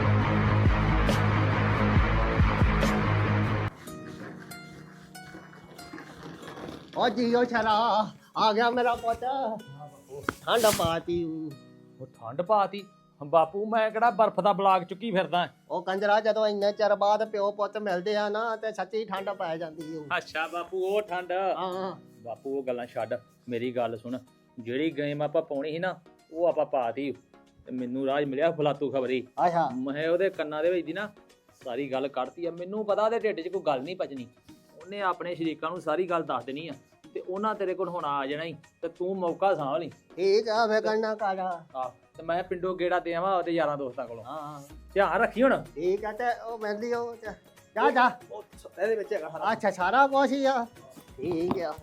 S4: ਓ ਜੀਓ ਛਰਾ ਆ ਗਿਆ ਮੇਰਾ ਪੁੱਤ। ਠੰਡ ਪਾਤੀ ਊ।
S3: ਉਹ ਠੰਡ ਪਾਤੀ ਬਾਪੂ, ਮੈਂ ਕਿਹੜਾ ਬਰਫ਼ ਦਾ ਬਲਾਕ ਚੁੱਕੀ ਫਿਰਦਾ।
S4: ਉਹ ਕੰਜਰਾ ਜਦੋਂ ਇੰਨੇ ਚਿਰ ਬਾਅਦ ਪਿਓ ਪੁੱਤ ਮਿਲਦੇ ਆ ਨਾ ਤੇ ਸੱਚੀ ਠੰਡ ਪੈ ਜਾਂਦੀ ਊ।
S3: ਅੱਛਾ ਬਾਪੂ ਉਹ ਠੰਡ।
S4: ਹਾਂ
S3: ਬਾਪੂ ਉਹ ਗੱਲਾਂ ਛੱਡ, ਮੇਰੀ ਗੱਲ ਸੁਣ। ਜਿਹੜੀ ਗੇਮ ਆਪਾਂ ਪਾਉਣੀ ਸੀ ਨਾ ਉਹ ਆਪਾਂ ਪਾਤੀ ਤੇ ਮੈਨੂੰ ਰਾਜ ਮਿਲਿਆ ਫਲਾਤੂ ਖਬਰੀ।
S4: ਅੱਛਾ
S3: ਮੈਂ ਉਹਦੇ ਕੰਨਾਂ ਦੇ ਵਿੱਚ ਦੀ ਨਾ ਸਾਰੀ ਗੱਲ ਕੱਢਤੀ ਆ। ਮੈਨੂੰ ਪਤਾ ਉਹਦੇ ਢਿੱਡ 'ਚ ਕੋਈ ਗੱਲ ਨਹੀਂ ਪਚਣੀ। ਉਹਨੇ ਆਪਣੇ ਸ਼ਰੀਕਾਂ ਨੂੰ ਸਾਰੀ ਗੱਲ ਦੱਸ ਦੇਣੀ ਆ ਤੇ ਉਹਨਾਂ ਤੇਰੇ ਕੋਲ ਹੁਣ ਆ ਜਾਣਾ ਹੀ ਤੇ ਤੂੰ ਮੌਕਾ ਸਾਂਭ ਲਈ।
S4: ਠੀਕ ਆ ਫੇ ਕਰਨਾ ਕਾਲਾ।
S3: ਆ ਤੇ ਮੈਂ ਪਿੰਡੋਂ ਗੇੜਾ ਦੇ ਆਵਾਂ ਉਹਦੇ ਯਾਰਾਂ ਦੋਸਤਾਂ ਕੋਲੋਂ।
S4: ਹਾਂ
S3: ਧਿਆਨ ਰੱਖੀ ਹੁਣ।
S4: ਠੀਕ ਆ ਤੇ ਉਹ ਮਿਲਦੀ ਉਹ ਤੇ ਜਾ ਜਾ।
S3: ਇਹਦੇ ਵਿੱਚ ਹੈਗਾ
S4: ਅੱਛਾ ਸਾਰਾ ਕੁਛ ਹੀ ਆ। ਠੀਕ ਆ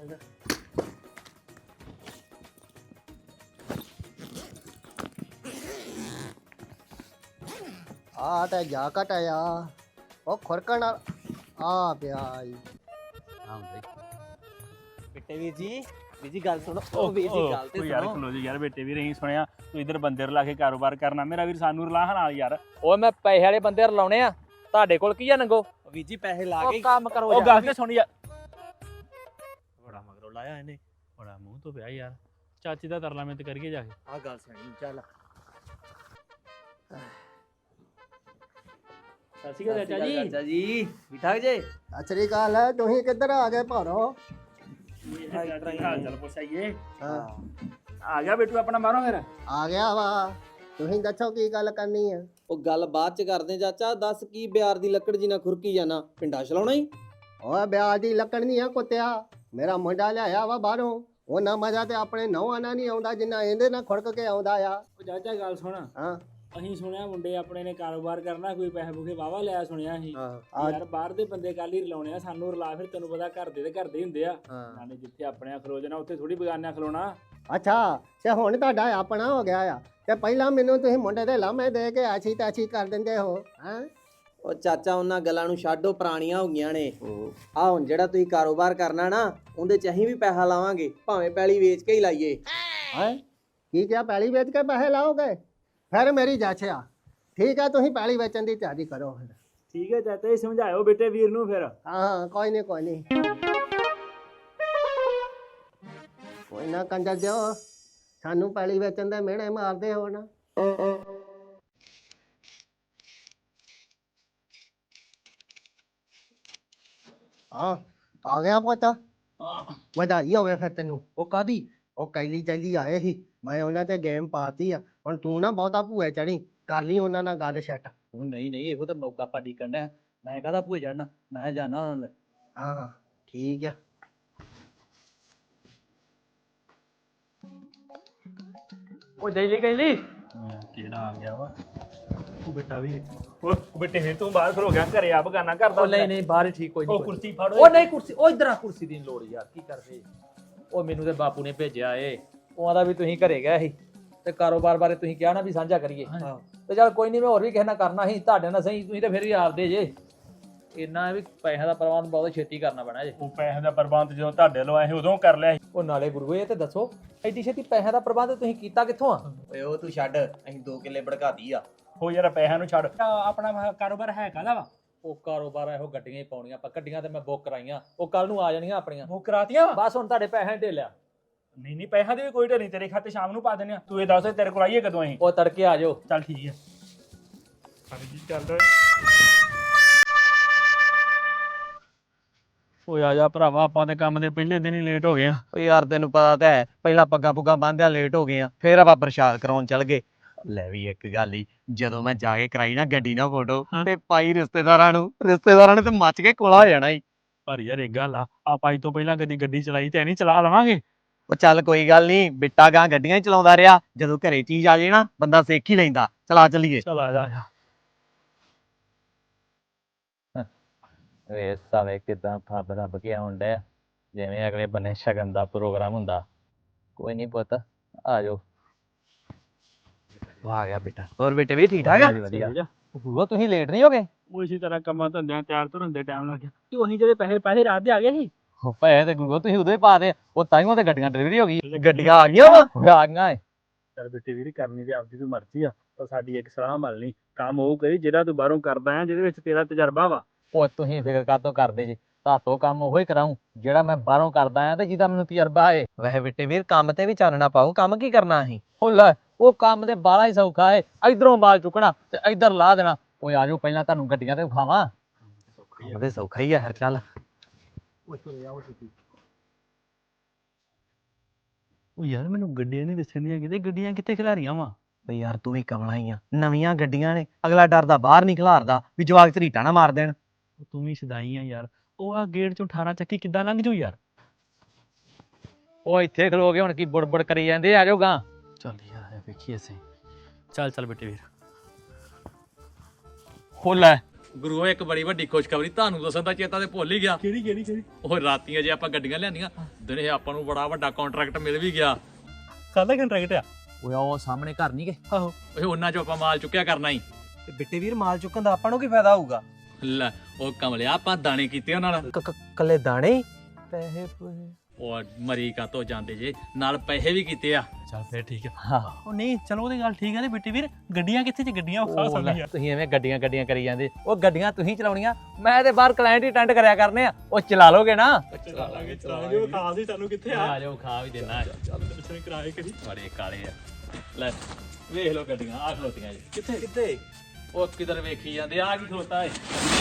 S4: ਆ ਤੇ ਜਾ ਕਟਾਇਆ ਉਹ ਖੁਰਕਣ ਆ ਪਿਆ ਈ।
S2: ਬਿੱਟੇ ਵੀਰ ਜੀ, ਵੀਰ ਜੀ ਗੱਲ ਸੁਣੋ। ਉਹ ਵੀਰ ਜੀ ਗੱਲ ਤੇ
S1: ਓ ਯਾਰ
S2: ਸੁਣੋ।
S1: ਖਲੋ ਜੀ ਯਾਰ, ਬੇਟੇ ਵੀਰ ਅਸੀਂ ਸੁਣਿਆ ਤੂੰ ਇਧਰ ਬੰਦੇ ਰਲਾ ਕੇ ਕਾਰੋਬਾਰ ਕਰਨਾ, ਮੇਰਾ ਵੀਰ ਸਾਨੂੰ ਰਲਾ ਨਾਲ ਯਾਰ।
S3: ਓਏ ਮੈਂ ਪੈਸੇ ਵਾਲੇ ਬੰਦੇ ਰਲਾਉਣੇ ਆ, ਤੁਹਾਡੇ ਕੋਲ ਕੀ ਆ ਨੰਗੋ?
S2: ਵੀਰ ਜੀ ਪੈਸੇ ਲਾ
S3: ਉਹ
S2: ਕੇ
S3: ਕੰਮ ਕਰੋ
S1: ਉਹ
S3: ਯਾਰ।
S1: ਗੱਲ ਤੇ ਸੁਣ ਯਾਰ।
S2: ਬੜਾ ਮਗਰੋਂ ਲਾਇਆ ਇਹਨੇ।
S1: ਬੜਾ ਮੂੰਹ ਤੋਂ ਪਿਆ ਯਾਰ, ਚਾਚੀ ਦਾ ਤਰਲਾ ਮੈਂ ਤੇ ਕਰੀਏ ਜਾ ਕੇ।
S2: ਆਹ ਗੱਲ ਸੁਣੀ ਚੱਲ।
S1: ਸਤਿ ਸ਼੍ਰੀ ਅਕਾਲ ਚਾਚਾ ਜੀ।
S2: ਚਾਚਾ ਜੀ ਠੀਕ ਠਾਕ ਜੇ?
S4: ਸਤਿ ਸ੍ਰੀ ਅਕਾਲ ਹੈ। ਤੁਸੀਂ ਕਿੱਧਰ ਆ ਗਏ ਭਾਰੋ?
S1: ਹਾਲ ਚਾਲ ਪੁੱਛਾਈਏ।
S4: ਹਾਂ
S1: ਆ ਗਿਆ ਬੇਟੂ ਆਪਣਾ ਬਾਹਰੋਂ ਫਿਰ?
S4: ਆ ਗਿਆ ਵਾ। ਤੁਸੀਂ ਦੱਸੋ ਕੀ ਗੱਲ ਕਰਨੀ ਆ?
S2: ਉਹ ਗੱਲ ਬਾਅਦ ਚ ਕਰਦੇ ਚਾਚਾ। ਦੱਸ ਕੀ ਬਿਆਰ ਦੀ ਲੱਕੜ ਜੀ ਨਾਲ ਖੁਰਕੀ ਜਾਣਾ, ਪਿੰਡਾ ਚਲਾਉਣਾ ਹੀ?
S4: ਓਏ ਵਿਆਹ ਦੀ ਲੱਕੜ ਨਹੀਂ ਆ ਕੁੱਤਿਆ, ਮੇਰਾ ਮੁੰਡਾ ਲਿਆਇਆ ਵਾ ਬਾਹਰੋਂ। ਉਹਨਾਂ ਮਜ਼ਾ ਤੇ ਆਪਣੇ ਨੌਂ ਆਣਾ ਨਹੀਂ ਆਉਂਦਾ ਜਿੰਨਾ ਇਹਦੇ ਨਾਲ ਖੁਰਕ ਕੇ ਆਉਂਦਾ ਆ।
S1: ਉਹ ਚਾਚਾ ਗੱਲ ਸੁਣ,
S4: ਹਾਂ
S1: ਅਸੀਂ ਸੁਣਿਆ ਮੁੰਡੇ ਆਪਣੇ ਨੇ ਕਾਰੋਬਾਰ ਕਰਨਾ, ਕੋਈ ਪੈਸੇ ਪੂਸੇ ਵਾਵਾ ਲਿਆ ਸੁਣਿਆ ਸੀ।
S4: ਹਾਂ
S1: ਯਾਰ ਬਾਹਰ ਦੇ ਬੰਦੇ ਕੱਲ ਹੀ ਰਲਾਉਣੇ ਆ, ਸਾਨੂੰ ਰਲਾ ਫਿਰ ਤੈਨੂੰ ਪਤਾ ਘਰ ਦੇ ਤੇ ਘਰ ਦੇ ਹੀ ਹੁੰਦੇ ਆ।
S4: ਹਾਂ
S1: ਨਾਲੇ ਜਿੱਥੇ ਆਪਣੇ ਖਲੋ ਜਾਣਾ ਉੱਥੇ ਥੋੜੀ ਬਗਾਨਿਆਂ ਖਲੋਣਾ।
S4: ਅੱਛਾ ਤੇ ਹੁਣ ਤੁਹਾਡਾ ਆਪਣਾ ਹੋ ਗਿਆ ਆ ਤੇ ਪਹਿਲਾਂ ਮੈਨੂੰ ਤੁਸੀਂ ਮੁੰਡੇ ਦੇ ਲਾਮੇ ਦੇ ਕੇ ਆਛੀ ਤਾਛੀ ਕਰ ਦਿੰਦੇ ਹੋ ਹੈਂ?
S2: ਉਹ ਚਾਚਾ ਉਹਨਾਂ ਗੱਲਾਂ ਨੂੰ ਛੱਡੋ, ਪੁਰਾਣੀਆਂ ਹੋ ਗਈਆਂ ਨੇ। ਆ ਹੁਣ ਜਿਹੜਾ ਤੁਸੀਂ ਕਾਰੋਬਾਰ ਕਰਨਾ ਨਾ ਉਹਦੇ ਚ ਅਸੀਂ ਵੀ ਪੈਸਾ ਲਾਵਾਂਗੇ, ਭਾਵੇਂ ਪੈਲੀ ਵੇਚ ਕੇ ਹੀ ਲਾਈਏ।
S4: ਹੈਂ ਕੀ ਕਿਹਾ? ਪੈਲੀ ਵੇਚ ਕੇ ਪੈਸੇ ਲਾਓਗੇ? ਫਿਰ ਮੇਰੀ ਜਾਚਿਆ ਠੀਕ ਆ, ਤੁਸੀਂ ਪੈਲੀ ਵੇਚਣ ਦੀ ਤਿਆਰੀ ਕਰੋ ਫਿਰ।
S1: ਠੀਕ ਹੈ ਚਾਚਾ ਜੀ, ਸਮਝਾਇਓ ਬੇਟੇ ਵੀਰ ਨੂੰ ਫਿਰ।
S4: ਹਾਂ ਕੋਈ ਨਹੀਂ ਕੋਈ ਨਹੀਂ ਕੋਈ ਨਾ ਕੰਜਰ ਦਿਓ, ਸਾਨੂੰ ਪੈਲੀ ਵੇਚਣ ਦੇ ਮਿਹਣੇ ਮਾਰਦੇ ਹੋ ਨਾ। ਹਾਂ ਆ ਗਿਆ ਪੁੱਤ, ਵਧਾਈ ਹੋਵੇ ਫਿਰ ਤੈਨੂੰ।
S3: ਉਹ ਕਾਦੀ?
S4: ਉਹ ਕੈਲੀ ਚੈਲੀ ਆਏ ਸੀ, ਮੈਂ ਉਹਨਾਂ ਤੇ ਗੇਮ ਪਾਤੀ ਆ। ਹੁਣ ਤੂੰ ਨਾ ਬਹੁਤਾ ਭੂਏ ਚੜੀ, ਕਰ ਲਈ ਉਹਨਾਂ ਨਾਲ ਗੱਲ ਸੈੱਟ।
S3: ਉਹ ਨਹੀਂ ਨਹੀਂ, ਇਹੋ ਤਾਂ ਮੌਕਾ ਪਾਡੀ ਕੰਡਾ। ਮੈਂ ਕਹਦਾ ਭੂਏ ਜਾਣਾ, ਮੈਂ ਜਾਣਾ।
S4: ਹਾਂ ਠੀਕ ਆ।
S3: ਉਹ ਜੈਲੀ ਕਹਿੰਦੀ
S1: ਕਿਹੜਾ ਆ ਗਿਆ ਵਾ? ਉਹ ਬੇਟਾ ਵੀ ਉਹ ਬੇਟੇ ਫਿਰ ਤੂੰ ਬਾਹਰ ਖਲੋ ਗਿਆ, ਘਰੇ ਆ ਬਗਾਨਾ ਕਰਦਾ।
S3: ਉਹ ਨਹੀਂ ਨਹੀਂ, ਬਾਹਰ ਹੀ ਠੀਕ, ਕੋਈ ਨਹੀਂ।
S1: ਉਹ ਕੁਰਸੀ ਫੜੋ।
S3: ਉਹ ਨਹੀਂ ਕੁਰਸੀ, ਉਹ ਇਧਰ ਆ, ਕੁਰਸੀ ਦੀ ਨੀ ਲੋੜ ਯਾਰ, ਕੀ ਕਰਦੇ? ਉਹ ਮੈਨੂੰ ਤੇ ਬਾਪੂ ਨੇ ਭੇਜਿਆ ਏ, ਉਹ ਆਂਦਾ ਵੀ ਤੁਸੀਂ ਘਰੇ ਗਏ ਸੀ ਤੇ ਕਾਰੋਬਾਰ ਬਾਰੇ ਤੁਸੀਂ ਕਿਹਾ ਨਾ ਵੀ ਸਾਂਝਾ ਕਰੀਏ। ਤੇ ਚੱਲ ਕੋਈ ਨਹੀਂ, ਮੈਂ ਹੋਰ ਵੀ ਕਿਸੇ ਨਾਲ ਕਰਨਾ ਸੀ, ਤੁਹਾਡੇ ਨਾਲ ਸਹੀ, ਤੁਸੀਂ ਤਾਂ ਫਿਰ ਵੀ ਆਪਦੇ ਜੇ। ਇੰਨਾ ਵੀ ਪੈਸਿਆਂ ਦਾ ਪ੍ਰਬੰਧ ਬਹੁਤ ਛੇਤੀ ਕਰਨਾ ਪੈਣਾ ਜੇ।
S1: ਉਹ ਪੈਸੇ ਦਾ ਪ੍ਰਬੰਧ ਜਦੋਂ ਤੁਹਾਡੇ ਲੋ ਆਏ ਉਦੋਂ ਕਰ ਲਿਆ ਸੀ।
S3: ਉਹ ਨਾਲੇ ਗੁਰੂ ਇਹ ਤੇ ਦੱਸੋ, ਐਡੀ ਛੇਤੀ ਪੈਸਿਆਂ ਦਾ ਪ੍ਰਬੰਧ ਤੁਸੀਂ ਕੀਤਾ ਕਿੱਥੋਂ ਆ?
S2: ਓਏ ਉਹ ਤੂੰ ਛੱਡ, ਅਸੀਂ ਦੋ ਕਿੱਲੇ ਭੜਕਾਤੀ ਆ।
S1: ਹੋ ਯਾਰ ਪੈਸਿਆਂ ਨੂੰ ਛੱਡ, ਆਪਣਾ ਕਾਰੋਬਾਰ ਹੈ ਕਾਹਦਾ ਵਾ?
S3: ਉਹ ਕਾਰੋਬਾਰ ਇਹੋ ਗੱਡੀਆਂ ਹੀ ਪਾਉਣੀਆਂ ਆਪਾਂ, ਗੱਡੀਆਂ ਤੇ ਮੈਂ ਬੁੱਕ ਕਰਾਈਆਂ, ਉਹ ਕੱਲ ਨੂੰ ਆ ਜਾਣੀਆਂ ਆਪਣੀਆਂ।
S1: ਉਹ ਕਰਾਤੀਆਂ ਵਾ?
S3: ਬਸ ਹੁਣ ਤੁਹਾਡੇ ਪੈਸਿਆਂ ਢੇਲਿਆ।
S1: ਨਹੀਂ ਨਹੀਂ, ਪੈਸਿਆਂ ਦੀ ਵੀ ਕੋਈ ਢਿੱਲ ਨਹੀਂ, ਤੇਰੇ ਖਾਤੇ ਸ਼ਾਮ ਨੂੰ ਪਾ ਦਿੰਦੇ ਆ। ਤੂੰ ਇਹ ਦੱਸ ਤੇਰੇ ਕੋਲ ਆਈਏ ਕਦੋਂ ਅਸੀਂ?
S3: ਉਹ ਤੜਕੇ ਆ ਜਾਓ।
S1: ਚੱਲ ਠੀਕ ਹੈ। ਹਾਂਜੀ ਚੱਲ ਓਏ ਆ ਜਾ ਭਰਾਵਾ, ਆਪਾਂ ਤੇ ਕੰਮ ਦੇ ਪਹਿਲੇ ਦਿਨ ਹੀ ਲੇਟ ਹੋ ਗਏ ਆ।
S5: ਓ ਯਾਰ ਤੈਨੂੰ ਪਤਾ ਤਾਂ ਹੈ, ਪਹਿਲਾਂ ਪੱਗਾਂ ਪੁੱਗਾਂ ਬੰਨ੍ਹਦਿਆਂ ਲੇਟ ਹੋ ਗਏ ਆ, ਫਿਰ ਆਪਾਂ ਪ੍ਰਸ਼ਾਦ ਕਰਾਉਣ ਚੱਲ ਗਏ। ਲੈ ਵੀ ਇੱਕ ਗੱਲ ਹੀ, ਜਦੋਂ ਮੈਂ ਜਾ ਕੇ ਕਰਾਈ ਨਾ ਗੱਡੀ ਨਾਲ ਫੋਟੋ ਤੇ ਪਾਈ ਰਿਸ਼ਤੇਦਾਰਾਂ ਨੂੰ, ਰਿਸ਼ਤੇਦਾਰਾਂ ਨੇ ਤੇ ਮੱਚ ਕੇ ਕੋਲਾ ਹੋ ਜਾਣਾ ਈ।
S1: ਪਰ ਯਾਰ ਇੱਕ ਗੱਲ ਆ, ਆਪਾਂ ਅੱਜ ਤੋਂ ਪਹਿਲਾਂ ਕਦੀ ਗੱਡੀ ਚਲਾਈ ਤੇ ਨਹੀਂ, ਚਲਾ ਲਵਾਂਗੇ।
S5: ਉਹ ਚੱਲ ਕੋਈ ਗੱਲ ਨਹੀਂ, ਬਿੱਟਾ ਗਾਂ ਗੱਡੀਆਂ ਹੀ ਚਲਾਉਂਦਾ ਰਿਹਾ, ਜਦੋਂ ਘਰੇ ਚੀਜ਼ ਆ ਜੇ ਨਾ ਬੰਦਾ ਸਿੱਖ ਹੀ ਲੈਂਦਾ। ਚਲਾ ਚੱਲੀਏ।
S1: ਚਲ ਆ ਜਾ ਆ ਜਾ।
S3: ਵੇ ਸਾਲੇ ਕਿਦਾਂ ਫੱਬ ਰੱਬ ਕੇ ਆਉਣ ਡਿਆ ਜਿਵੇਂ ਅਗਲੇ ਬੰਨੇ ਸ਼ਗਨ ਦਾ ਪ੍ਰੋਗਰਾਮ ਹੁੰਦਾ। ਕੋਈ ਨਹੀਂ ਪੁੱਤ ਆ ਜਾਓ।
S5: ਆ ਗਿਆ ਬੇਟਾ। ਹੋਰ ਬੇਟੇ ਵੀ ਠੀਕ ਠਾਕ ਆ?
S3: ਵਧੀਆ। ਉਹ ਤੁਸੀਂ ਲੇਟ ਨਹੀਂ ਹੋ ਗਏ?
S1: ਉਹ ਇਸੇ ਤਰ੍ਹਾਂ ਕੰਮਾਂ ਧੰਦਿਆਂ ਤਿਆਰ ਤੁਰਨ ਦੇ ਟਾਈਮ ਲੱਗ ਗਿਆ ਤੇ ਉਹੀ ਜਿਹੜੇ ਪੈਸੇ ਪੈਸੇ ਰਾਤ ਦੇ ਆ ਗਏ ਸੀ।
S3: ਉਹ ਪੈਸੇ ਤੇ ਗੁੱਗੋ ਤੁਸੀਂ ਉਦੋਂ ਹੀ ਪਾ ਦੇ। ਉਹ ਤਾਈਓ ਤੇ ਗੱਡੀਆਂ ਡਿਲੀਵਰੀ ਹੋ ਗਈ।
S5: ਗੱਡੀਆਂ ਆ ਗਈਆਂ ਵਾ?
S3: ਉਹ ਆ ਗਈਆਂ ਏ।
S1: ਚੱਲ ਬੇਟੇ ਵੀਰ ਕਰਨੀ ਤੇ ਆਪਦੀ ਤੂੰ ਮਰਜ਼ੀ ਆ, ਪਰ ਸਾਡੀ ਇੱਕ ਸਲਾਹ ਮੰਨ ਲਈ, ਕੰਮ ਉਹ ਕਰੀ ਜਿਹੜਾ ਤੂੰ ਬਾਹਰੋਂ ਕਰਦਾ ਆ, ਜਿਹਦੇ ਵਿੱਚ ਤੇਰਾ ਤਜਰਬਾ ਵਾ।
S3: ਉਹ ਤੁਸੀਂ ਫਿਕਰ ਕਾਤੋਂ ਕਰਦੇ ਜੀ, ਤਾਤੋਂ ਕੰਮ ਉਹੋ ਹੀ ਕਰਾਉਂ ਜਿਹੜਾ ਮੈਂ ਬਾਹਰੋਂ ਕਰਦਾ ਆ ਤੇ ਜਿਹਦਾ ਮੈਨੂੰ ਤਜਰਬਾ ਏ।
S5: ਵੈਸੇ ਬੇਟੇ ਵੀਰ ਕੰਮ ਤੇ ਵੀ ਚਾਨਣਾ ਪਾਉ। ਕੰਮ ਕੀ ਕਰਨਾ ਅਸੀਂ?
S3: ਉਹ ਲੈ ਉਹ ਕੰਮ ਤੇ ਬਾਲਾ ਹੀ ਸੌਖਾ ਏ। ਇਧਰੋਂ ਮਾਲ ਚੁੱਕਣਾ ਤੇ ਇਧਰ ਲਾ ਦੇਣਾ। ਓਏ ਆ ਜਾਓ ਪਹਿਲਾਂ ਤੁਹਾਨੂੰ ਗੱਡੀਆਂ ਤੇ ਵਿਖਾਵਾਂ।
S5: ਉਹਦੇ ਸੌਖਾ ਹੀ ਆ ਫਿਰ ਚੱਲ।
S1: ਉਹ ਯਾਰ ਮੈਨੂੰ ਗੱਡੀਆਂ ਨਹੀਂ ਦਿਸਣੀਆਂ ਕਿਤੇ, ਗੱਡੀਆਂ ਕਿੱਥੇ ਖਿਲਾਰੀਆਂ ਵਾ?
S5: ਬਈ ਯਾਰ ਤੂੰ ਵੀ ਕਮਲਾ ਹੀ ਆ। ਨਵੀਆਂ ਗੱਡੀਆਂ ਨੇ, ਅਗਲਾ ਡਰਦਾ ਬਾਹਰ ਨਹੀਂ ਖਿਲਾਰਦਾ ਵੀ ਜਵਾਕ ਧਰੀਟਾ ਨਾ ਮਾਰ ਦੇਣ।
S1: ਤੂੰ ਵੀ ਸਦਾਈ ਆ ਯਾਰ। ਉਹ ਆ ਗੇਟ ਚੋਂ ਅਠਾਰਾਂ ਚੱਕੀ ਕਿੱਦਾਂ ਲੰਘ ਜੂ ਯਾਰ?
S3: ਉਹ ਇੱਥੇ ਖਲੋ ਕੇ ਹੁਣ ਕੀ ਬੁੜਬੁੜ ਕਰੀ ਜਾਂਦੇ। ਆ ਜਾਓ ਗਾਂ।
S1: ਚੱਲ ਯਾਰ ਵੇਖੀਏ ਸਹੀ। ਚੱਲ ਚੱਲ ਬੇਟੇ ਵੀਰ।
S3: ਹੋ ਲੈ ਗੁਰੂ ਇੱਕ ਬੜੀ ਵੱਡੀ ਖੁਸ਼ਖਬਰੀ ਤੁਹਾਨੂੰ ਦੱਸਣ ਦਾ ਚੇਤਾ ਤੇ ਭੁੱਲ ਹੀ ਗਿਆ।
S1: ਕਿਹੜੀ ਕਿਹੜੀ ਕਿਹੜੀ?
S3: ਉਹ ਰਾਤੀਆਂ ਜੇ ਆਪਾਂ ਗੱਡੀਆਂ ਲਿਆਂਦੀਆਂ ਦਿਨੇ ਆਪਾਂ ਨੂੰ ਬੜਾ ਵੱਡਾ ਕੰਟਰੈਕਟ ਮਿਲ ਵੀ ਗਿਆ।
S1: ਕਾਹਦਾ ਕੰਟਰੈਕਟ ਆ?
S3: ਓਏ ਉਹ ਸਾਹਮਣੇ ਘਰ ਨਹੀਂ ਗਏ।
S1: ਆਹੋ।
S3: ਓਏ ਉਹਨਾਂ ਚੋਂ ਆਪਾਂ ਮਾਲ ਚੁੱਕਿਆ ਕਰਨਾ ਹੀ।
S5: ਤੇ ਬਿੱਟੇ ਵੀਰ ਮਾਲ ਚੁੱਕਣ ਦਾ ਆਪਾਂ ਨੂੰ ਕੀ ਫਾਇਦਾ ਹੋਊਗਾ?
S3: ਲੈ ਉਹ ਕਮਲਿਆ ਆਪਾਂ ਦਾਣੇ ਕੀਤੇ ਉਹਨਾਂ ਨਾਲ।
S5: ਕੱਲੇ ਦਾਣੇ ਹੀ? ਪੈਸੇ ਪੂਸੇ
S3: ਉਹ ਮਰੀ ਕਾ ਤੋਂ ਜਾਂਦੇ ਜੇ ਨਾਲ ਪੈਸੇ ਵੀ ਕੀਤੇ ਆ।
S1: ਚੱਲ ਫੇਰ ਠੀਕ ਆ।
S3: ਹਾਂ
S1: ਉਹ ਨਹੀਂ ਚਲੋ ਉਹਦੀ ਗੱਲ ਠੀਕ ਆ ਤੇ ਬੇਟੇ ਵੀਰ ਗੱਡੀਆਂ ਕਿੱਥੇ ਚ ਗੱਡੀਆਂ ਖਾ
S3: ਉਹ ਲੈ,
S1: ਸਕਦੀਆਂ?
S3: ਤੁਸੀਂ ਐਵੇਂ ਗੱਡੀਆਂ ਗੱਡੀਆਂ ਕਰੀ ਜਾਂਦੇ। ਉਹ ਗੱਡੀਆਂ ਤੁਸੀਂ ਚਲਾਉਣੀਆਂ, ਮੈਂ ਤੇ ਬਾਹਰ ਕਲਾਇੰਟ ਹੀ ਅਟੈਂਡ ਕਰਿਆ ਕਰਨੇ ਆ। ਉਹ ਚਲਾ ਲੋਗੇ ਨਾ?
S1: ਚਲਾ ਲਾਂਗੇ ਚਲਾ ਲਾਂਗੇ। ਉਹ ਖਾਸ ਹੀ ਸਾਨੂੰ ਕਿੱਥੇ ਆ?
S3: ਆ ਜਾਓ ਖਾ ਵੀ ਦੇਣਾ।
S1: ਪਿੱਛੇ ਕਿਰਾਏ ਕਰੀ।
S3: ਬੜੇ ਕਾਲੇ ਆ। ਲੈ ਵੇਖ ਲਓ ਗੱਡੀਆਂ ਆ ਖਲੋਤੀਆਂ ਜੀ।
S1: ਕਿੱਥੇ ਕਿੱਥੇ?
S3: ਉਹ ਕਿਧਰ ਵੇਖੀ ਜਾਂਦੇ ਆ ਕੀ ਖਲੋਤਾ ਏ?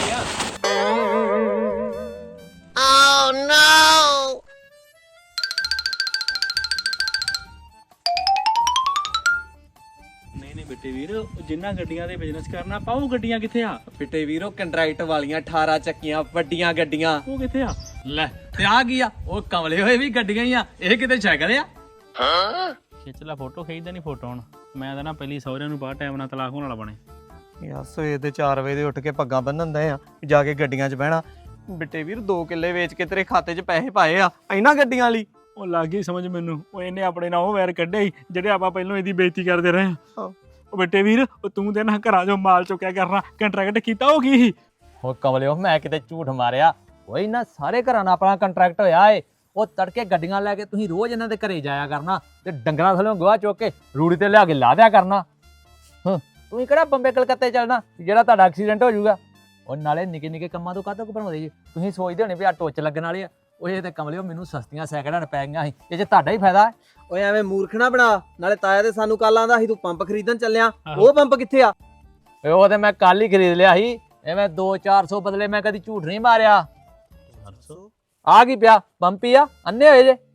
S1: ਨਹੀਂ ਨਹੀਂ ਬੇਟੇ ਵੀਰ, ਜਿੰਨਾ ਗੱਡੀਆਂ ਦੇ ਬਿਜ਼ਨਸ ਕਰਨਾ ਆਪਾਂ ਉਹ ਗੱਡੀਆਂ ਕਿੱਥੇ ਆ?
S2: ਬਿੱਟੇ ਵੀਰੋ ਕੰਟਰੈਕਟ ਵਾਲੀਆਂ ਅਠਾਰਾਂ ਚੱਕੀਆਂ ਵੱਡੀਆਂ ਗੱਡੀਆਂ।
S1: ਉਹ ਕਿੱਥੇ ਆ?
S3: ਲੈ ਤੇ ਆ ਕੀ ਆ? ਉਹ ਕਮਲੇ ਹੋਏ ਵੀ ਗੱਡੀਆਂ ਹੀ ਆ। ਇਹ ਕਿਤੇ ਸਾਈਕਲ ਆ?
S1: ਖਿੱਚ ਲੈ ਫੋਟੋ, ਖਿੱਚਦਾ ਨਹੀਂ ਫੋਟੋ ਹੁਣ। ਮੈਂ ਤਾਂ ਨਾ ਪਹਿਲੀ ਸਹੁਰਿਆਂ ਨੂੰ ਬਾਹਰ ਟਾਈਮ ਨਾਲ ਤਲਾਕ ਹੋਣ ਵਾਲਾ ਬਣੇ।
S5: ਯਾਰ ਸਵੇਰ ਦੇ ਚਾਰ ਵਜੇ ਦੇ ਉੱਠ ਕੇ ਪੱਗਾਂ ਬੰਨਣ ਦੇ ਆ, ਜਾ ਕੇ ਗੱਡੀਆਂ 'ਚ ਬਹਿਣਾ। ਬਿੱਟੇ ਵੀਰ ਦੋ ਕਿੱਲੇ ਵੇਚ ਕੇ ਤੇਰੇ ਖਾਤੇ 'ਚ ਪੈਸੇ ਪਾਏ ਆ ਇਹਨਾਂ ਗੱਡੀਆਂ ਲਈ।
S1: ਉਹ ਲੱਗ ਗਈ ਸਮਝ ਮੈਨੂੰ। ਉਹ ਇਹਨੇ ਆਪਣੇ ਨਾਲ ਉਹ ਵੈਰ ਕੱਢੇ ਸੀ ਜਿਹੜੇ ਆਪਾਂ ਪਹਿਲਾਂ ਇਹਦੀ ਬੇਇੱਜ਼ਤੀ ਕਰਦੇ ਰਹੇ ਆ। ਉਹ ਬੇਟੇ ਵੀਰ, ਉਹ ਤੂੰ ਤੇ ਨਾ ਘਰਾਂ 'ਚੋਂ ਮਾਲ ਚੁੱਕਿਆ ਕਰਨਾ, ਕੰਟਰੈਕਟ ਕੀਤਾ ਉਹ ਕੀ ਸੀ?
S3: ਉਹ ਕਮਲਿਓ ਮੈਂ ਕਿਤੇ ਝੂਠ ਮਾਰਿਆ? ਓਏ ਇਹਨਾਂ ਸਾਰੇ ਘਰਾਂ ਨਾਲ ਆਪਣਾ ਕੰਟਰੈਕਟ ਹੋਇਆ ਏ। ਉਹ ਤੜਕੇ ਗੱਡੀਆਂ ਲੈ ਕੇ ਤੁਸੀਂ ਰੋਜ਼ ਇਹਨਾਂ ਦੇ ਘਰੇ ਜਾਇਆ ਕਰਨਾ ਤੇ ਡੰਗਰਾਂ ਥੱਲੋਂ ਗੋਹਾ ਚੁੱਕ ਕੇ ਰੂੜੀ ਤੇ ਲਿਆ ਕੇ ਲਾ ਦਿਆ ਕਰਨਾ। ਹਾਂ ਤੁਸੀਂ ਕਿਹੜਾ ਬੰਬੇ ਕਲਕੱਤੇ ਚੱਲਣਾ ਜਿਹੜਾ ਤੁਹਾਡਾ ਐਕਸੀਡੈਂਟ ਹੋ ਜਾਊਗਾ? ਉਹ ਨਾਲੇ ਨਿੱਕੇ ਨਿੱਕੇ ਕੰਮਾਂ ਤੋਂ ਕਾਹਤੋਂ ਘਬਰਾਉਂਦੇ ਜੀ? ਤੁਸੀਂ ਸੋਚਦੇ ਹੋਣੇ ਵੀ ਆ ਟੋਚ ਲੱਗਣ ਵਾਲੇ ਆ। ਉਹ ਇਹ ਤੇ ਕਮਲਿਓ ਮੈਨੂੰ ਸਸਤੀਆਂ ਸੈਕਿੰਡਾਂ ਪੈ ਗਈਆਂ ਸੀ। ਇਹ 'ਚ ਤੁਹਾਡਾ ਹੀ ਫਾਇਦਾ।
S2: ਓਏ ਐਵੇਂ ਮੂਰਖ ਨਾ ਬਣਾ। ਨਾਲੇ ਤਾਇਆ ਤੇ ਸਾਨੂੰ ਕੱਲ ਆਂਦਾ ਸੀ ਤੂੰ ਪੰਪ ਖਰੀਦਣ ਚੱਲਿਆ। ਉਹ ਪੰਪ ਕਿੱਥੇ ਆ?
S3: ਓਏ ਉਹ ਤੇ ਮੈਂ ਕੱਲ ਹੀ ਖਰੀਦ ਲਿਆ ਸੀ। ਐਵੇਂ ਦੋ ਚਾਰ ਸੌ ਬਦਲੇ ਮੈਂ ਕਦੀ ਝੂਠ ਨਹੀਂ ਮਾਰਿਆ। ਆ ਕੀ ਪਿਆ? ਪੰਪ ਹੀ ਆ। ਅੰਨੇ ਹੋਏ ਜੇ?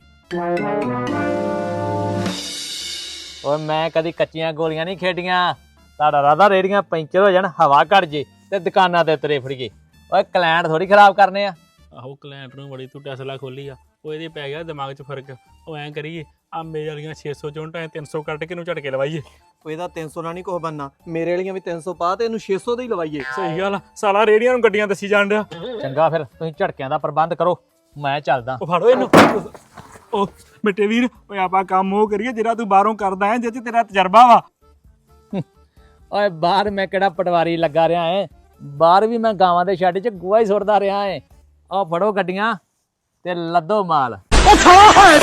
S3: ਓਏ ਮੈਂ ਕਦੀ ਕੱਚੀਆਂ ਗੋਲੀਆਂ ਨਹੀਂ ਖੇਡੀਆਂ। ਤੁਹਾਡਾ ਰਾਦਾ ਰੇੜੀਆਂ ਪੈਂਚਰ ਹੋ ਜਾਣ, ਹਵਾ ਘੜ ਜੇ ਤੇ ਦੁਕਾਨਾਂ ਤੇ ਤਰੇ ਫੜੀਏ। ਓਏ ਕਲਾਇੰਟ ਥੋੜੀ ਖਰਾਬ ਕਰਨੇ ਆ।
S1: ਆਹੋ ਕਲਾਇੰਟ ਨੂੰ ਬੜੀ ਤੂੰ ਟੈਸਲਾ ਖੋਲੀ ਆ। ਉਹ ਇਹਦੇ ਪੈ ਗਿਆ ਦਿਮਾਗ 'ਚ ਫਰਕ। ਉਹ ਐਂ ਕਰੀਏ ਆ ਮੇਰੇ ਵਾਲੀਆਂ ਛੇ ਸੌ ਚੋਂਟਾਂ ਤਿੰਨ ਸੌ ਕੱਟ ਕੇ ਇਹਨੂੰ ਝਟਕੇ ਲਵਾਈਏ।
S5: ਉਹ ਇਹਦਾ ਤਿੰਨ ਸੌ ਨਾਲ ਨਹੀਂ ਕੁਛ ਬਣਨਾ। ਮੇਰੇ ਵਾਲੀਆਂ ਵੀ ਤਿੰਨ ਸੌ ਪਾ ਤੇ ਇਹਨੂੰ ਛੇ ਸੌ ਦੇ ਹੀ ਲਵਾਈਏ।
S1: ਸਹੀ ਗੱਲ ਆ। ਸਾਲਾ ਰੇੜੀਆਂ ਨੂੰ ਗੱਡੀਆਂ ਦੱਸੀ ਜਾਣ ਡਿਆ।
S3: ਚੰਗਾ ਫਿਰ ਤੁਸੀਂ ਝਟਕਿਆਂ ਦਾ ਪ੍ਰਬੰਧ ਕਰੋ, ਮੈਂ ਚੱਲਦਾ।
S1: ਉਹ ਫੜੋ ਇਹਨੂੰ। ਉਹ ਬੇਟੇ ਵੀਰ, ਓਏ ਆਪਾਂ ਕੰਮ ਉਹ ਕਰੀਏ ਜਿਹੜਾ ਤੂੰ ਬਾਹਰੋਂ ਕਰਦਾ ਹੈ, ਜਿਹ 'ਚ ਤੇਰਾ ਤਜਰਬਾ ਵਾ।
S3: ਓਏ ਬਾਹਰ ਮੈਂ ਕਿਹੜਾ ਪਟਵਾਰੀ ਲੱਗਾ ਰਿਹਾ ਐ? ਬਾਹਰ ਵੀ ਮੈਂ ਗਾਵਾਂ ਦੇ ਛੱਡ 'ਚ ਗੋਹਾ ਹੀ ਸੁੱਟਦਾ ਰਿਹਾ ਐ। ਆਹ ਫੜੋ ਗੱਡੀਆਂ ਤੇ ਲੱਦੋ ਮਾਲ।